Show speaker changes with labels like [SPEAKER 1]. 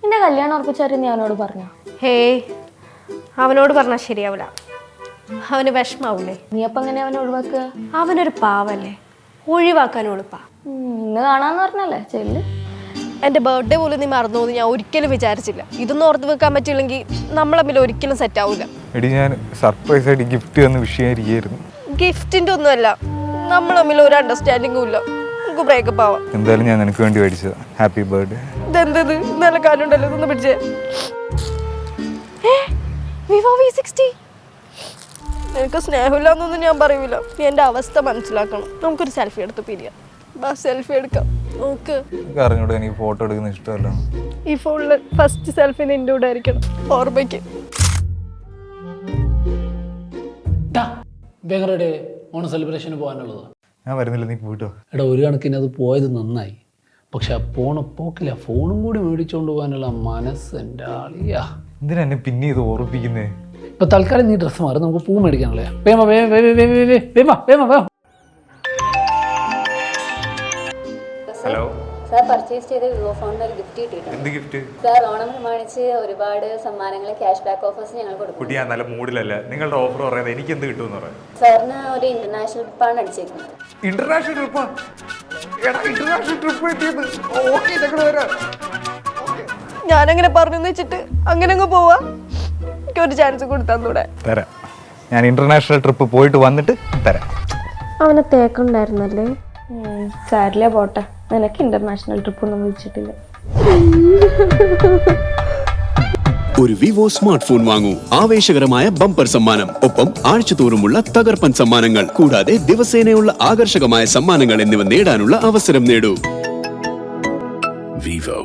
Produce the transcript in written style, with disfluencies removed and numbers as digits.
[SPEAKER 1] നിന്റെ കല്യാണം ഉറപ്പിച്ചാരും നീ അവനോട് പറഞ്ഞോ?
[SPEAKER 2] ഹേയ്, അവനോട് പറഞ്ഞാൽ ശരിയാവില്ല. അവന് വിഷമാവൂലേ?
[SPEAKER 1] നീ അപ്പം എങ്ങനെ അവനെ ഒഴിവാക്കുക?
[SPEAKER 2] അവനൊരു പാവല്ലേ, ഒഴിവാക്കാൻ എളുപ്പാ.
[SPEAKER 1] ഇന്ന് കാണാന്ന് പറഞ്ഞല്ലേ, ചെല്ല്.
[SPEAKER 2] എൻ്റെ ബർത്ത്ഡേ പോലും നീ മറന്നു എന്ന് ഞാൻ ഒരിക്കലും വിചാരിച്ചില്ല. ഇതൊന്നും ഓർത്ത് വെക്കാൻ പറ്റില്ലെങ്കിൽ നമ്മൾ തമ്മിൽ ഒരിക്കലും സെറ്റ് ആവില്ല.
[SPEAKER 3] എടി, ഞാൻ സർപ്രൈസ് ആയിട്ട് ഗിഫ്റ്റ് തന്ന് വിഷയായിരിക്കും.
[SPEAKER 2] ഗിഫ്റ്റിൻ്റെ ഒന്നുമല്ല, നമ്മൾ തമ്മിൽ ഒരു അണ്ടർസ്റ്റാൻഡിങ്ങും ഇല്ല. നമുക്ക് ബ്രേക്കപ്പ് ആവാം.
[SPEAKER 3] എന്തായാലും ഞാൻ നിനക്ക് വേണ്ടി മേടിച്ചത്. Happy birthday.
[SPEAKER 2] ഇതെന്തത് നല്ല കാലുണ്ടല്ലോ, ഇതൊന്ന് പിടിച്ചേ. Vivo V60. എനിക്ക് സ്നേഹമില്ലാന്നൊന്നും ഞാൻ പറയൂല. നീ എൻ്റെ അവസ്ഥ മനസ്സിലാക്കണം. നമുക്കൊരു സെൽഫി എടുത്ത് പിരിയാം. സെൽഫി എടുക്കാം. നോക്ക്,
[SPEAKER 3] അറിഞ്ഞൂടെ എനിക്ക് ഫോട്ടോ എടുക്കുന്ന ഇഷ്ടമല്ല.
[SPEAKER 2] ഈ ഫോണില് ഫസ്റ്റ് സെൽഫി നിന്റെ കൂടെ ആയിരിക്കണം, ഓർമ്മയ്ക്ക്.
[SPEAKER 4] ഓണം സെലിബ്രേഷന് പോകാനുള്ളത്.
[SPEAKER 3] ഞാൻ വരുന്നില്ല, നീ പോയിട്ടോ.
[SPEAKER 4] എടാ, ഒരു കണക്കിന് അത് പോയത് നന്നായി. പക്ഷെ ആ പോക്കില്ല, ഫോണും കൂടി മേടിച്ചുകൊണ്ട് പോകാനുള്ള മനസ്സ് എൻ്റെ ആളിയാ.
[SPEAKER 3] എന്തിനാ എന്നെ പിന്നെ ഇത് ഓർപ്പിക്കുന്നേ?
[SPEAKER 4] ഇപ്പൊ തൽക്കാലം നീ ഡ്രസ്സ് മാറി, നമുക്ക് പൂ മേടിക്കാനല്ലേ.
[SPEAKER 3] ഹലോ
[SPEAKER 1] സാർ പർച്ചേസ് ചെയ്ത വിവോ ഫോണിന് ഒരു ഗിഫ്റ്റ് കിട്ടിയിട്ടുണ്ട്.
[SPEAKER 3] എന്ത് ഗിഫ്റ്റ്?
[SPEAKER 1] സാർ ഓണം പ്രമാണിച്ച് ഒരുപാട് സമ്മാനങ്ങൾ, ക്യാഷ് ബാക്ക് ഓഫേഴ്സ് ഞങ്ങൾ കൊടുക്കും.
[SPEAKER 3] കുട്ടി, ഞാൻ നല്ല മൂഡിലല്ല. നിങ്ങളുടെ ഓഫർ പറയുന്നത് എനിക്ക് എന്ത് കിട്ടുമെന്ന് പറയാം.
[SPEAKER 1] സാറിന് ഒരു ഇന്റർനാഷണൽ ട്രിപ്പാണ് അടിച്ചേക്കുന്നത്.
[SPEAKER 3] ഇന്റർനാഷണൽ ട്രിപ്പാ? ഇന്റർനാഷണൽ ട്രിപ്പ് കിട്ടിയത്. ഓക്കെ, ഞങ്ങൾ വരാം.
[SPEAKER 2] ഞാനങ്ങനെ പറഞ്ഞു വെച്ചിട്ട് അങ്ങനെ അങ്ങ് പോവാ. എനിക്കൊരു ചാൻസ് കൊടുത്തൂടെ?
[SPEAKER 3] തരാം. ഞാൻ ഇന്റർനാഷണൽ ട്രിപ്പ് പോയിട്ട് വന്നിട്ട് തരാം.
[SPEAKER 2] അവനെ തേക്കുണ്ടായിരുന്നല്ലേ.
[SPEAKER 1] സാരില്ല, പോട്ടെ. നിനക്ക് ഇന്റർനാഷണൽ ട്രിപ്പ് ഒന്നും വിളിച്ചിട്ടില്ല.
[SPEAKER 5] ഒരു വിവോ സ്മാർട്ട് ഫോൺ വാങ്ങൂ, ആവേശകരമായ ബമ്പർ സമ്മാനം, ഒപ്പം ആഴ്ചതോറുമുള്ള തകർപ്പൻ സമ്മാനങ്ങൾ, കൂടാതെ ദിവസേനയുള്ള ആകർഷകമായ സമ്മാനങ്ങൾ എന്നിവ നേടാനുള്ള അവസരം നേടൂ. വിവോ.